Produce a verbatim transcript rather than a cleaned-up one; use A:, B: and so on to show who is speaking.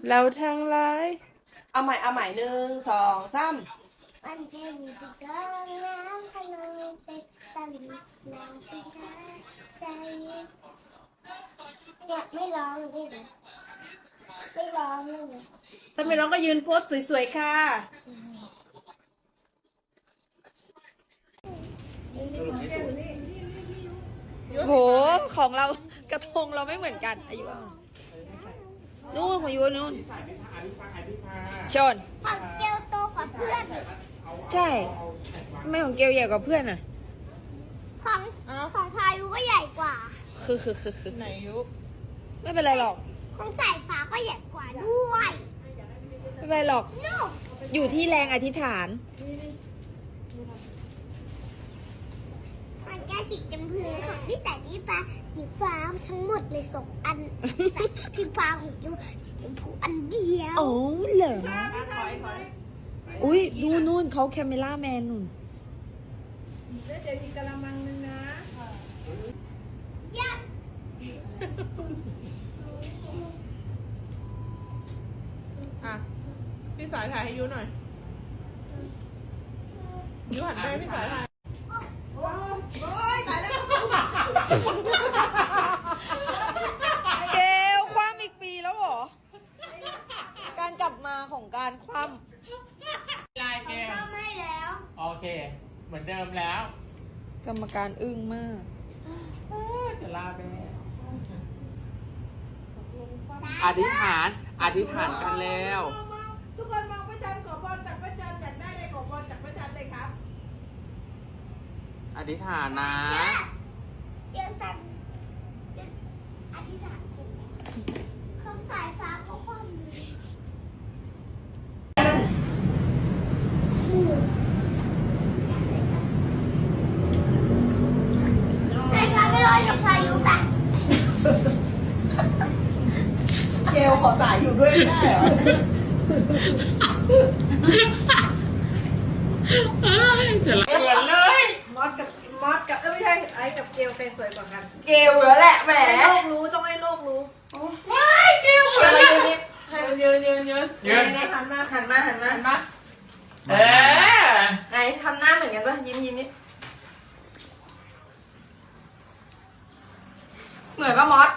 A: แล้วทั้งหลายเอาใหม่เอาใหม่หนึ่งสองสาม
B: มันเป็นสิ่งร้องน้ำทะเลเป็นสลิดน้ำชิดาใจเนี่ยไม่ร้องเลยนะไม่ร้องเลยนะ
A: ถ้าไม่ร้องก็ยืนโพสสวยๆค่ะโหของเรากระทงเราไม่เหมือนกันอายุนู่นของยูนู่นชน
B: ของเกลโตกว่าเพื่อน
A: ใช่ทำไมของเกลใหญ่กว่าเพื่อนอ่ะ
B: ของของพายุก็ใหญ่กว่า
A: คือคือคือคือไหนยุไม่เป็นไรหรอก
B: ของสายฟ้าก็ใหญ่กว่าด้วย
A: ไม่เป็นไรหรอก
B: นู่น
A: อยู่ที่แรงอธิษฐาน
B: มันแก้สีจำพือของพี่แต่นี่ปลาสีฟ้าทั้งหมดเลยสองอันแต่พี่ฟ้าของเกลสีชมพูอันเดียว
A: โอ้เหรออุ้ยดูนู่นเขาแคมเมล่าแมนนู่น
B: ยัก
C: อ่ะพี่สายถ่ายให้ยูหน่อยยูหันไปให้พี่สายถ่าย
A: เกลคว่ำอีกปีแล้วเหรอ การกลับมาของการคว่
C: ลายแก้ว
B: ทำให้แล้ว
C: โอเค เหมือนเดิมแล้ว
A: ำกรรมการอึ้งมาก
C: จะลาไปแล้ว
D: อธิษฐาน อธิษฐานกันแล้ว
C: ทุกคนมองพระจันทร์ขอพรจากพระจันทร์อยากได้อะไรขอพรจากพระจันทร์เลยครับ
D: อธิษฐานนะ
B: เดี๋ยวสั่นเดี๋ยวอธิษฐานเสร็จแล้วของสายฟ้าก็คว่ำเลยสายฟ้าไม่ลอยกับพายุป่ะ
A: เกลขอสายอยู่ด้วยไม่ได้เหรอ
C: จะลาเหมือนเลย
E: มอสกับมอสกับเอ้ยไม่ใช่ไอ้กับเกลเป็นสวยกว่ากัน
A: เกลแล้วแหละแหม
E: ให้โลกรู้ต้องให้โลกรู้
C: ว้ายเกลียวสวย
A: อะไร
C: เลย
A: นิด
C: ยืนยืนยืนยืน
E: ไหนๆหันมา
A: หันมาหันมา
C: เห็นปะเออ
A: ไหนทำหน้าเหมือนกันปะยิ้มยิ้มนิดเหมือนปะมอส